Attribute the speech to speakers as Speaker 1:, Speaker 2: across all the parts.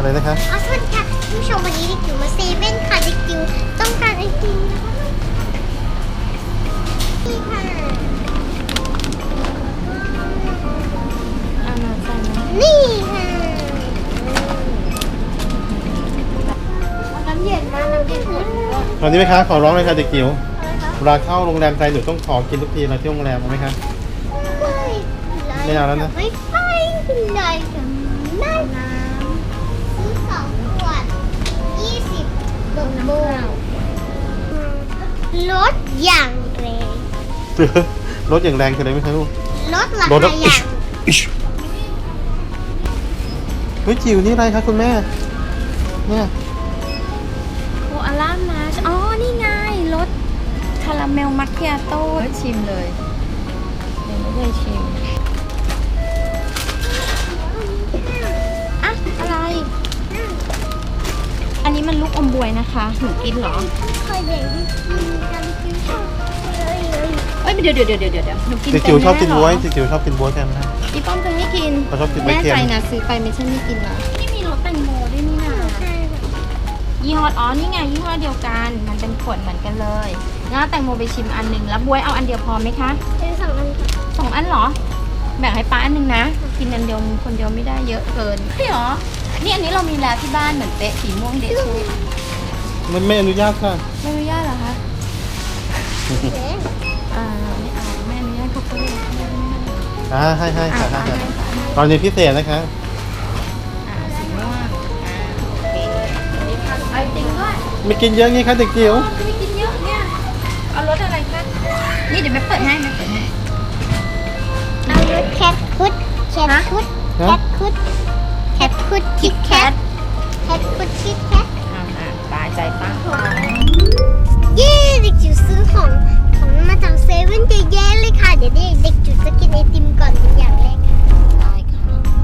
Speaker 1: อะไรนะคะ
Speaker 2: สวัสดีค่ะผู้ชมวันนี้เด็กจิ๋วมาเซเว่นค่ะเด็กจิ๋วต้องการไอติมนี่ค่ะนี่ค่ะน้ำเย็นนะน้ำเย็นอุ่น
Speaker 1: ตอนนี้ไหมคะขอร้องเลยค่ะเด็กจิ๋วเวลาเข้าโรงแรมใจหนูต้องขอกินทุกทีเราที่โรงแรมเอาไหมคะ ไม่เอาแล้วนะ
Speaker 2: ไม่ไปเลยกับแม่น้ำซื้อ2 ขวด20 โบลดอย่างแรง
Speaker 1: รถอย่างแรงคืออะไรไหมคะลูก
Speaker 2: ลดราคาอย่าง
Speaker 1: เฮ้ยจิ๋วนี่อะไรคะคุณแม่เนี่ย
Speaker 3: โคอาล่ามาชอ๋อ นี่ไงรสคาราเมลมัคคิอาโต้ชิมเลยยังไม่ได้ชิมอะอะไร อันนี้มันลูกอมบวยนะคะหนูกินเหรอ
Speaker 2: เคยเด็กที่กินกันกินชอบเลย
Speaker 3: เอ้ยเดี๋ยวหนูกิน
Speaker 1: เด็ก
Speaker 3: เป็น
Speaker 1: จิ๋วชอบกิน
Speaker 3: แเหร
Speaker 1: บ๊วยเด็กจิ๋วชอบกินบ๊วยกันนะ
Speaker 3: อีป้อมเธอไม่กิน
Speaker 1: เขาชอบกินบ๊วย
Speaker 3: แน่
Speaker 1: เค็ม
Speaker 3: ใจนะซื้อไปไม่ใช่ไม่กินนะนี่มีรสแตงโมด้วยนี่นะ
Speaker 2: ใช่ค่ะ
Speaker 3: ยี่ห้ออ๋อนี่ไงยี่ห้อเดียวกันมันเป็นขวดเหมือนกันเลยงั้นแตงโมไปชิมอันหนึ่งแล้วบ๊วยเอาอันเดียวพอไหมคะ
Speaker 2: เป็น2 อันค่ะ
Speaker 3: 2 อันเหรอ แบ่งให้ป้าอันหนึ่งนะ กินอันเดียวคนเดียวไม่ได้เยอะเกินใช่เหรอ นี่อันนี้เรามีแล้วที่บ้านเหมือนเป๊ะสีม่วงเดชู
Speaker 1: มันไม่อนุญาตค่ะ
Speaker 3: ไม่อนุญาตเหรอคะ
Speaker 2: เอ๊ะ
Speaker 3: ไม่เอาไม่อนุญาตเขาก็เลยไม่ได้
Speaker 1: ให้ค่ะให้
Speaker 3: ให้
Speaker 1: ค่ะ
Speaker 3: ค่ะ
Speaker 1: ตอนนี้พิเศษนะคะ
Speaker 3: สีม่วงโอเคไอติมด้วย
Speaker 1: ไม่กินเยอะงี้คะเด็กจิ๋ว
Speaker 3: ไม่กินเยอะเนี่ยเอารสอะไรคะนี่เดี๋ยวแม่เปิดให้
Speaker 2: เอารสแคทคุดแคทคุดแคทคุดแคทคุดคิดแคทแคทคุดคิดแคท
Speaker 3: ตายใจตั้ง
Speaker 2: เย้เด็กจิ๋วซื้อของมาจากเซเว่นเยอะแยะเลยค่ะ เดี๋ยวเด็กจิ๋วจะกินไอติมก่อนเป็นอย่างแรกค่ะ
Speaker 3: ได้ค่ะ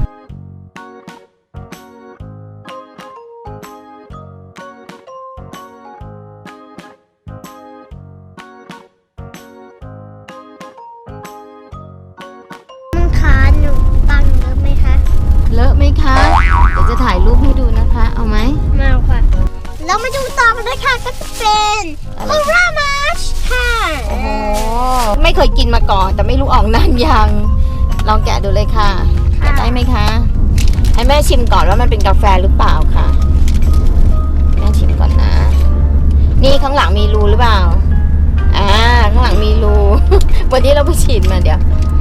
Speaker 2: มึงคะหนูตังเยอะไหมคะ
Speaker 3: เลอะไหมคะ เดี๋ยวจะถ่ายรูปให้ดูนะคะ เอาไหม
Speaker 2: มาค่ะเรามาดูต่อกันเลยค่ะก็จะเป็นโอรามาชค่ะ
Speaker 3: โอ้โห ไม่เคยกินมาก่อน แต่ไม่รู้ออกนานยัง ลองแกะดูเลยค่ะแกะได้ไหมคะ ให้แม่ชิมก่อนว่ามันเป็นกาแฟหรือเปล่าค่ะ แม่ชิมก่อนนะ นี่ข้างหลังมีรูหรือเปล่า ข้างหลังมีรู วันนี้เราไปฉีดมาเดี๋ยว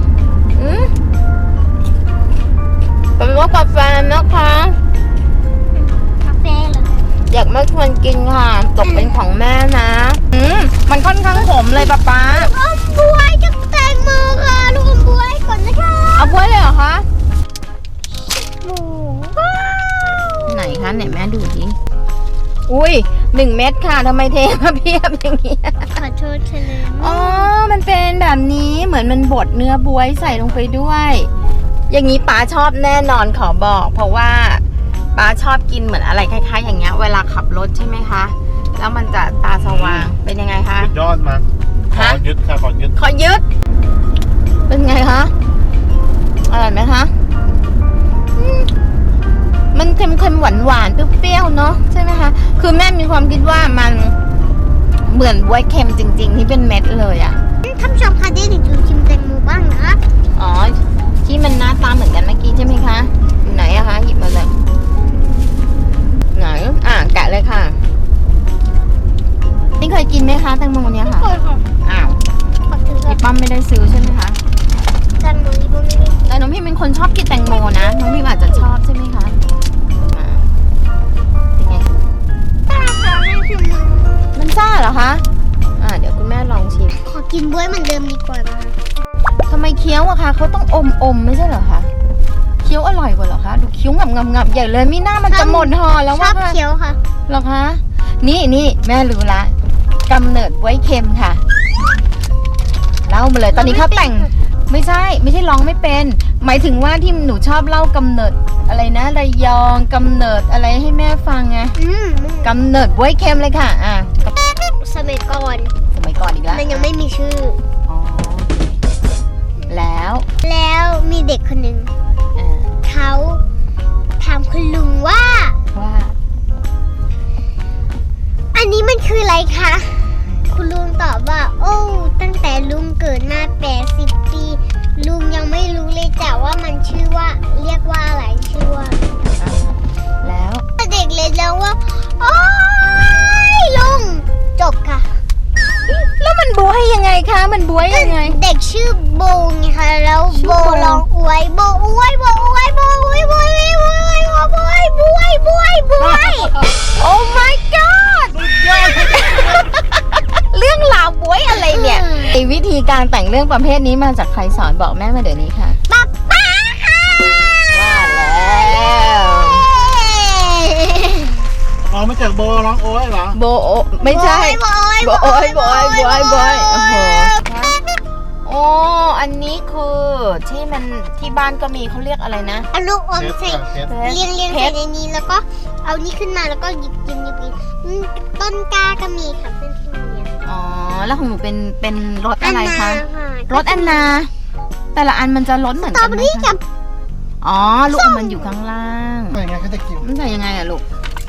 Speaker 3: เป็นว่ากาแฟนะคะ
Speaker 2: กาแฟเหรอ
Speaker 3: อยากไม่ควรกินค่ะ ตกเป็นของแม่นะมันค่อนข้างขมเลยป๊า
Speaker 2: อมบวยกับแตงโมค่ะลูกอมบวยก่อนนะคะ
Speaker 3: เอาบ้วยเลยเหรอคะ
Speaker 2: หมูว้าว
Speaker 3: ไหนคะไหนแม่ดูดิอุ้ย1 เม็ดค่ะทำไมเทมาเพียบอย่างเงี้ย
Speaker 2: ขอโทษเฉลย
Speaker 3: อ๋อ มันเป็นแบบนี้เหมือนมันบดเนื้อบวยใส่ลงไปด้วย อย่างนี้ป้าชอบแน่นอนขอบอก เพราะว่าป้าชอบกินเหมือนอะไรคล้ายๆอย่างเงี้ยเวลาขับรถใช่ไหมคะ แล้วมันจะตาสว่างเป็นยังไงคะ
Speaker 1: สุดยอดมากขอยึดค่ะขอยึด
Speaker 3: ขอยึด เป็นไงคะอร่อยไหมคะมันเค็มๆหวานๆเปรี้ยวๆเนาะใช่ไหมคะคือแม่มีความคิดว่ามันเหมือนบ๊วยเค็มจริงๆที่เป็นเม็ดเลยอะ
Speaker 2: ท่านผู้ชมคะเดี๋ยวเด็กจิ๋วชิมแตงโมบ้างนะ
Speaker 3: อ๋อที่มันหน้าตาเหมือนกันเมื่อกี้ใช่ไหมคะอยู่ไหนอะคะหยิบมาเลยไหนแกะเลยค่ะนี่เคยกินไหมคะแตงโมเนี้ยค่ะ
Speaker 2: เคยค่ะ
Speaker 3: อ้าว
Speaker 2: ขอถือกั
Speaker 3: พี่
Speaker 2: บ
Speaker 3: ป้อมไม่ได้ซื้อใช่ไหมคะ
Speaker 2: แตงโมนี่ก็ไม่ได้
Speaker 3: แต่น้องพี่เป็นคนชอบกินแตงโมนะน้องพี่อาจจะชอบใช่ไหมคะเป็นไง
Speaker 2: ถ้าขอให้ชิมมือ
Speaker 3: มันซ่าเหรอคะเดี๋ยวคุณแม่ลองชิม
Speaker 2: ขอกินบวยเหมือนเดิมดีกว่านะคะ
Speaker 3: ทำไมเคี้ยวอะคะเขาต้องอมไม่ใช่เหรอคะเคี้ยวอร่อยกว่าเหรอคะดูเคี้ยวงับใหญ่เลยมีหน้ามันจะหมดห่อแล้ว
Speaker 2: ชอ
Speaker 3: ว่า
Speaker 2: บเคี้ยวค่ะ
Speaker 3: เหรอคะนี่แม่รู้ละกำเนิดบ๊วยเค็มค่ะเล่ามาเลยตอนนี้เขาแต่งไม่ใช่ร้องไม่เป็น หมายถึงว่าที่หนูชอบเล่ากำเนิดอะไรนะระยองกำเนิดอะไรให้แม่ฟังไงกำเนิดบ๊วยเค็มเลยค่ะ
Speaker 2: สมัยก่อน
Speaker 3: สมัยก่อนอีกแล้ว
Speaker 2: มันยังไม่มีชื่อ
Speaker 3: อ๋อแล้ว
Speaker 2: แล้วมีเด็กคนหนึ่ง
Speaker 3: อ่า
Speaker 2: เขาถามคุณลุงว่า
Speaker 3: ว่า
Speaker 2: อันนี้มันคืออะไรคะ คุณลุงตอบว่า โอ้ตั้งแต่ลุงเกิดมา80 ปีลุงยังไม่รู้เลยจ้ะว่ามันชื่อว่าเรียกว่าอะไรชื่อว่า
Speaker 3: แล้ว
Speaker 2: เด็กเลยแล้วว่าโอ้ยลุงจบค่ะ
Speaker 3: แล้วมันบวยยังไงคะ มันบวยยังไง
Speaker 2: เด็กชื่อโบไงคะแล้ว
Speaker 3: ชื่
Speaker 2: โบ
Speaker 3: อโบ
Speaker 2: ร้องอวยโบอวยโบอวยโบอวยโบอวยโบอวยโบอวยโบอวยโบอวยโบอวย
Speaker 3: โอ้ my god เรื่องราวบวยอะไรเนี่ยไอวิธีการแต่งเรื่องประเภทนี้มาจากใครสอนบอกแม่มาเดี๋ยวนี้ค่ะ
Speaker 2: ป๊าป๊าค่ะ
Speaker 3: ว่าแล้ว
Speaker 1: อ๋อมาจากโบร้องโอ้ยเหรอ
Speaker 3: โบโอไม่ใช่
Speaker 2: โบอวย
Speaker 3: โบโอยโบโอยโบโอยโบโอยโอ้โหโอ้อันนี้คือที่มันที่บ้านก็มีเขาเรียกอะไรนะ
Speaker 2: เอาลูกอมใส่
Speaker 1: เพชร
Speaker 2: เรียงใส่ในนี้แล้วก็เอานี่ขึ้นมาแล้วก็หยิบกินต้นกล้าก็มีค่ะเพื่อนที่โรงเรียน
Speaker 3: อ๋อแล้วของหนูเป็นรสอะไรคะ
Speaker 2: นนา
Speaker 3: รสแอนนา แต่ละอันมันจะรสเหมือน
Speaker 2: สตร
Speaker 3: กั
Speaker 2: อน เบอ
Speaker 3: ไหม
Speaker 2: รี่กั
Speaker 3: คะ
Speaker 2: บ
Speaker 3: อ๋อลูกอมมันอยู่ข้างล่าง
Speaker 1: ใส่ไงคะเด็กจิ๋ว
Speaker 3: มันใส่ยังไงอะลูก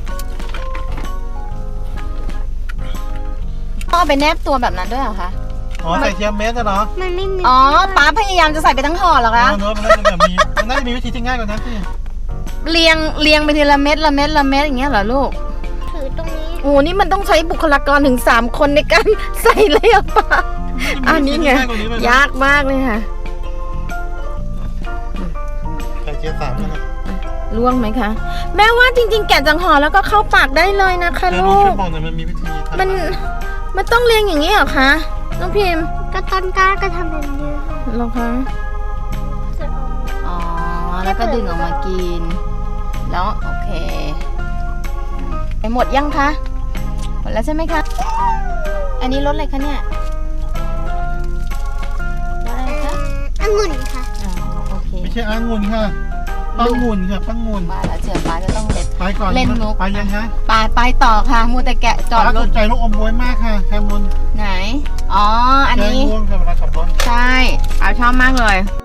Speaker 3: ต้องเอาไปแนบตัวแบบนั้นด้วยเหรอคะ
Speaker 1: อ๋อใส่เทียมเม็ดเหรอ
Speaker 2: มันไม่มี
Speaker 3: อ๋อป้าพยายามจะใส่ไปทั้งห่อเหรอคะ
Speaker 1: เนอะมันน่าจะแบบมีมันน่าจะมีวิธีที่ง่ายกว่านั้นสิ
Speaker 3: เรียงไปทีละเม็ดละเม็ดละเม็ดอย่างเงี้ยเหรอลูก
Speaker 2: ถือตรงนี้
Speaker 3: โอ้นี่มันต้องใช้บุคลากรถึง3 คนในการใส่เลยอะป้าอันนี้ไง ยากมากเลยค่ะ
Speaker 1: ใส่เทียม3นะ
Speaker 3: ล่วงไหมคะ แม่ว่าจริงๆ แกะจากห่อแล้วก็เข้าปากได้เลยนะคะ
Speaker 1: เดี๋ยว
Speaker 3: ลู
Speaker 1: ช่ว
Speaker 3: ก
Speaker 1: ยบอกหน่อยมันมีวิธีทำ
Speaker 3: มันต้องเรียงอย่างนี้เหรอคะน้องพิมพ์
Speaker 2: ก็ต้นกล้าก็ทำแบบนี้ค่ะ
Speaker 3: เหรอคะอ๋อแล้วก็ดึงออกมากิน แล้วโอเคไปหมดยังคะหมดแล้วใช่ไหมคะอันนี้รสอะไรคะเนี่ยรสอะไรคะ
Speaker 2: องุ่นค่ะ
Speaker 3: อ๋อโอเค
Speaker 1: ไม่ใช่องุ่นค่ะปังงุ่นค่ะปังงุ่น
Speaker 3: มาแล้วเจอป้าจะต้องเล็ด
Speaker 1: ไปก่อน
Speaker 3: เล่นมุก
Speaker 1: ไปยังฮะ
Speaker 3: ไปต่อค่ะมัวแต่แกะจอด
Speaker 1: ป้าร ส
Speaker 3: ถ
Speaker 1: นใจลูกอมบวยมากค่ะแคมุน
Speaker 3: ไหนอ๋ออัน
Speaker 1: แกง
Speaker 3: นี้
Speaker 1: ง่วงค่ะเวลาขับรถ
Speaker 3: ใช่ป้าชอบมากเลย